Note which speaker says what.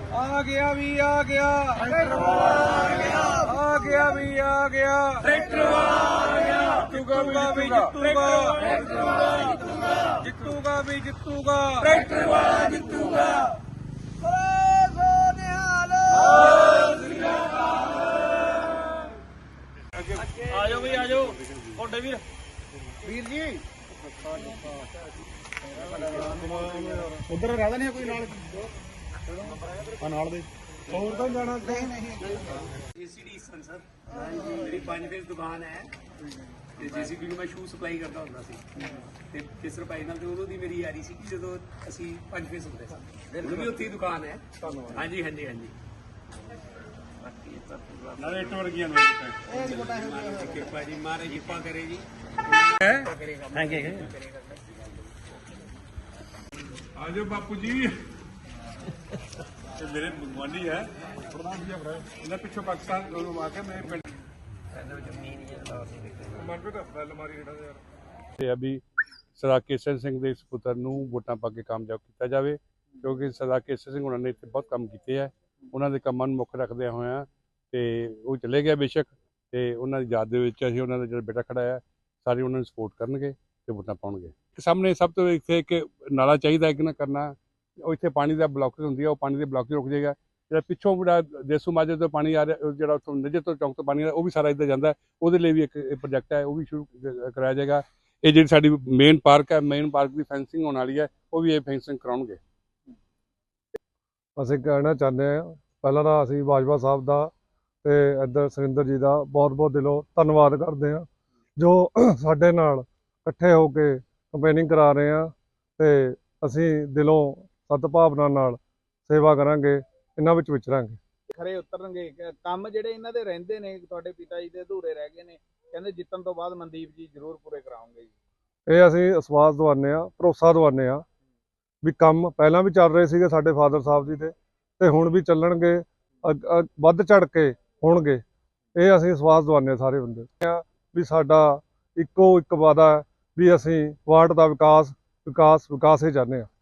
Speaker 1: आ गया भी आ गया ट्रैक्टर वाला आ गया भी आ गया ट्रैक्टर वाला आ गया जितूगा भी जितूगा जितूगा भी जितूगा ट्रैक्टर वाला जितूगा। आजो भी आजो कोडे वीर वीर जी उधर रहता नहीं कोई नाल दे और तो जाना नहीं जेसीडी सर मेरी 5 फेस दुकान है ਤੇ ਜੀਸੀਬੀ ਨੂੰ ਮੈਂ ਸ਼ੂ ਸਪਲਾਈ ਕਰਦਾ ਹੁੰਦਾ ਸੀ ਤੇ ਕਿਸਰ ਭਾਈ ਨਾਲ ਤੇ ਉਦੋਂ ਦੀ ਮੇਰੀ ਯਾਰੀ ਸੀ ਕਿ ਜਦੋਂ ਅਸੀਂ 5 ਫੇਸ ਹੁੰਦੇ ਸਾਂ ਉਹ ਵੀ ਉੱਥੇ ਹੀ ਦੁਕਾਨ ਹੈ। ਹਾਂਜੀ ਹਾਂਜੀ ਹਾਂਜੀ ਨਾਲੇ ਇੱਟ ਵਰਗੀਆਂ ਨੇ ਕਿਰਪਾ ਜੀ ਮਾਰੇ ਕਿਰਪਾ ਕਰੇ ਜੀ ਥੈਂਕ ਯੂ ਆਜੋ ਬਾਪੂ ਜੀ ਇਹ ਮੇਰੇ ਗੁਆਂਢੀ ਹੈ ਪ੍ਰਧਾਨ ਜੀ ਆਪਣਾ ਇਹਨਾਂ ਪਿੱਛੋਂ ਪਾਕਿਸਤਾਨ ਨੂੰ ਆ ਕੇ ਮੇਰੇ ਪਿੰਡ अभी सरदार केसर सिंह के इस पुत्र ਨੂੰ ਵੋਟਾਂ ਪਾ ਕੇ ਕਾਮਯਾਬ ਕੀਤਾ ਜਾਵੇ ਕਿਉਂਕਿ ਸਰਦਾਰ ਕੇਸਰ ਸਿੰਘ ਉਹਨਾਂ ਨੇ ਇੱਥੇ ਬਹੁਤ ਕੰਮ ਕੀਤੇ ਹੈ। ਉਹਨਾਂ ਦੇ ਕੰਮਾਂ ਨੂੰ ਮੁੱਖ ਰੱਖਦੇ ਹੋਇਆ ਤੇ ਉਹ ਚਲੇ ਗਿਆ ਬੇਸ਼ੱਕ ਤੇ ਉਹਨਾਂ ਦੀ ਯਾਦ ਦੇ ਵਿੱਚ ਅਸੀਂ ਉਹਨਾਂ ਦਾ ਜਿਹੜਾ ਬੇਟਾ ਖੜਾ ਹੈ ਸਾਰੇ ਉਹਨਾਂ ਨੂੰ ਸਪੋਰਟ ਕਰਨਗੇ ਤੇ ਵੋਟਾਂ ਪਾਉਣਗੇ। ਸਾਹਮਣੇ ਸਭ ਤੋਂ ਇੱਥੇ ਇੱਕ ਨਾਲਾ ਚਾਹੀਦਾ ਕਿ ਨਾ ਕਰਨਾ ਉਹ ਇੱਥੇ ਪਾਣੀ ਦਾ ਬਲੌਕੇਜ ਹੁੰਦੀ ਹੈ ਉਹ ਪਾਣੀ ਦੇ ਬਲੌਕੇਜ ਰੁਕ ਜਾਏਗਾ। ਜਿਹੜਾ ਪਿੱਛੋਂ ਜਿਹੜਾ ਦੇਸੂ ਮਾਜਰੇ ਤੋਂ ਪਾਣੀ ਆ ਰਿਹਾ ਜਿਹੜਾ ਉੱਥੋਂ ਨਜਰ ਤੋਂ ਚੌਂਕ ਤੋਂ ਪਾਣੀ ਆ ਰਿਹਾ ਉਹ ਵੀ ਸਾਰਾ ਇੱਧਰ ਜਾਂਦਾ ਉਹਦੇ ਲਈ ਵੀ ਇੱਕ ਪ੍ਰੋਜੈਕਟ ਹੈ ਉਹ ਵੀ ਸ਼ੁਰੂ ਕਰਾਇਆ ਜਾਏਗਾ। ਇਹ ਜਿਹੜੀ ਸਾਡੀ ਮੇਨ ਪਾਰਕ ਹੈ ਮੇਨ ਪਾਰਕ ਦੀ ਫੈਂਸਿੰਗ ਹੋਣ ਵਾਲੀ ਹੈ ਉਹ ਵੀ ਇਹ ਫੈਂਸਿੰਗ ਕਰਾਉਣਗੇ।
Speaker 2: ਅਸੀਂ ਕਹਿਣਾ ਚਾਹੁੰਦੇ ਹਾਂ ਪਹਿਲਾਂ ਤਾਂ ਅਸੀਂ ਬਾਜਵਾ ਸਾਹਿਬ ਦਾ ਤੇ ਇੱਧਰ ਸੁਰਿੰਦਰ ਜੀ ਦਾ ਬਹੁਤ ਬਹੁਤ ਦਿਲੋਂ ਧੰਨਵਾਦ ਕਰਦੇ ਹਾਂ ਜੋ ਸਾਡੇ ਨਾਲ ਇਕੱਠੇ ਹੋ ਕੇ ਕੰਪੇਨਿੰਗ ਕਰਾ ਰਹੇ ਹਾਂ ਤੇ ਅਸੀਂ ਦਿਲੋਂ ਸਦਭਾਵਨਾ ਨਾਲ ਸੇਵਾ ਕਰਾਂਗੇ ਇਹਨਾਂ ਵਿੱਚ ਵਿਚਰਾਂਗੇ
Speaker 3: ਖਰੇ ਉਤਰਨਗੇ। ਕੰਮ ਜਿਹੜੇ ਇਹਨਾਂ ਦੇ ਰਹਿੰਦੇ ਨੇ ਤੁਹਾਡੇ ਪਿਤਾ ਜੀ ਦੇ ਅਧੂਰੇ ਰਹਿ ਗਏ ਨੇ ਕਹਿੰਦੇ ਜਿੱਤਣ ਤੋਂ ਬਾਅਦ ਮਨਦੀਪ ਜੀ ਜ਼ਰੂਰ ਪੂਰੇ ਕਰਾਉਂਗੇ ਜੀ।
Speaker 2: ਇਹ ਅਸੀਂ ਵਿਸ਼ਵਾਸ ਦਿਵਾਉਂਦੇ ਹਾਂ ਭਰੋਸਾ ਦਿਵਾਉਂਦੇ ਹਾਂ ਵੀ ਕੰਮ ਪਹਿਲਾਂ ਵੀ ਚੱਲ ਰਹੇ ਸੀਗੇ ਸਾਡੇ ਫਾਦਰ ਸਾਹਿਬ ਜੀ ਦੇ ਤੇ ਹੁਣ ਵੀ ਚੱਲਣਗੇ ਵੱਧ ਚੜ ਕੇ ਹੋਣਗੇ। ਇਹ ਅਸੀਂ ਵਿਸ਼ਵਾਸ ਦਿਵਾਉਂਦੇ ਹਾਂ ਸਾਰੇ ਬੰਦੇ ਵੀ ਸਾਡਾ ਇੱਕੋ ਇੱਕ ਵਾਅਦਾ ਹੈ ਵੀ ਅਸੀਂ ਵਾਰਡ ਦਾ ਵਿਕਾਸ ਹੀ ਚਾਹੁੰਦੇ ਹਾਂ।